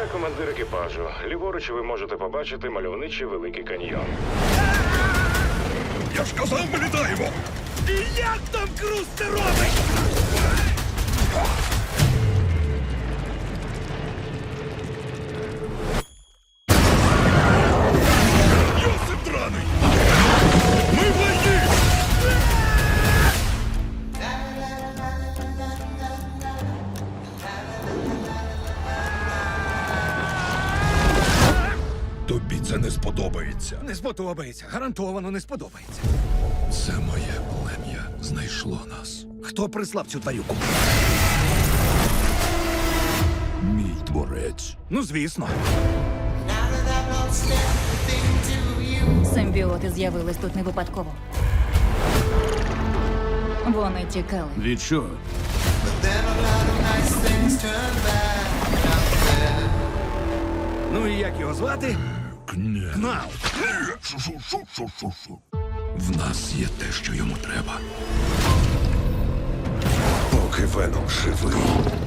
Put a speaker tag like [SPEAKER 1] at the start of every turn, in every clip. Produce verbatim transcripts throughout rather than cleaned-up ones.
[SPEAKER 1] Я командир екіпажу. Ліворуч ви можете побачити мальовничий Великий каньйон.
[SPEAKER 2] Я ж казав, ми літаємо!
[SPEAKER 3] І як там Круз це робить?
[SPEAKER 2] Йосип драний! Ми в війні! Тобі це не сподобається.
[SPEAKER 3] Не сподобається, гарантовано не сподобається.
[SPEAKER 2] Це моє плем'я знайшло нас.
[SPEAKER 3] Хто прислав цю тварюку?
[SPEAKER 2] Мій творець.
[SPEAKER 3] Ну, звісно.
[SPEAKER 4] Симбіоти з'явились тут не випадково. Вони тікали.
[SPEAKER 3] Від чого? Ну і як його звати?
[SPEAKER 2] Кня.
[SPEAKER 3] Кнал.
[SPEAKER 2] Шу-шу-шу-шу-шу-шу. В нас є те, що йому треба. Поки Веном живий.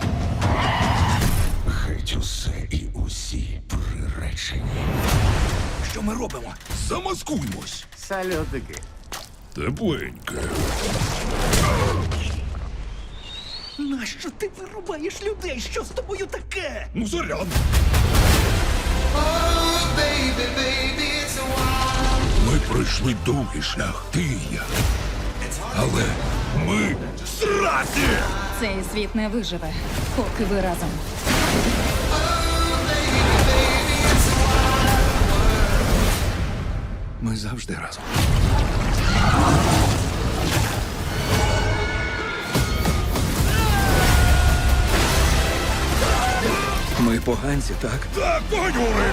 [SPEAKER 2] Геть усе і усі приречені.
[SPEAKER 3] Що ми робимо?
[SPEAKER 2] Замаскуймось.
[SPEAKER 3] Сальотики.
[SPEAKER 2] Тепленьке.
[SPEAKER 3] Нащо ти вирубаєш людей? Що з тобою таке?
[SPEAKER 2] Ну, заряд. Ми пройшли довгий шлях, ти і я. Але ми зраді!
[SPEAKER 4] Цей світ не виживе, поки ви разом.
[SPEAKER 3] Ми завжди разом. Ми поганці, так?
[SPEAKER 2] Так, поганюри!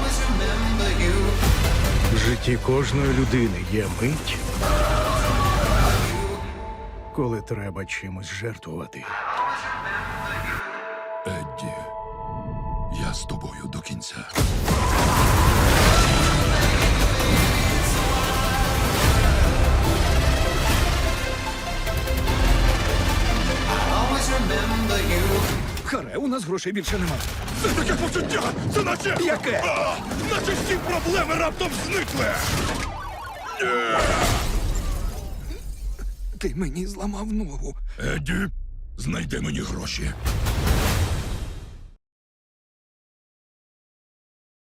[SPEAKER 5] В житті кожної людини є мить, коли треба чимось жертвувати.
[SPEAKER 2] Едді, я з тобою до кінця.
[SPEAKER 3] Харе, у нас грошей більше немає.
[SPEAKER 2] Це таке почуття! Це наче...
[SPEAKER 3] Яке?
[SPEAKER 2] А, наче всі проблеми раптом зникли!
[SPEAKER 3] Ти мені зламав ногу.
[SPEAKER 2] Едді, знайди мені гроші.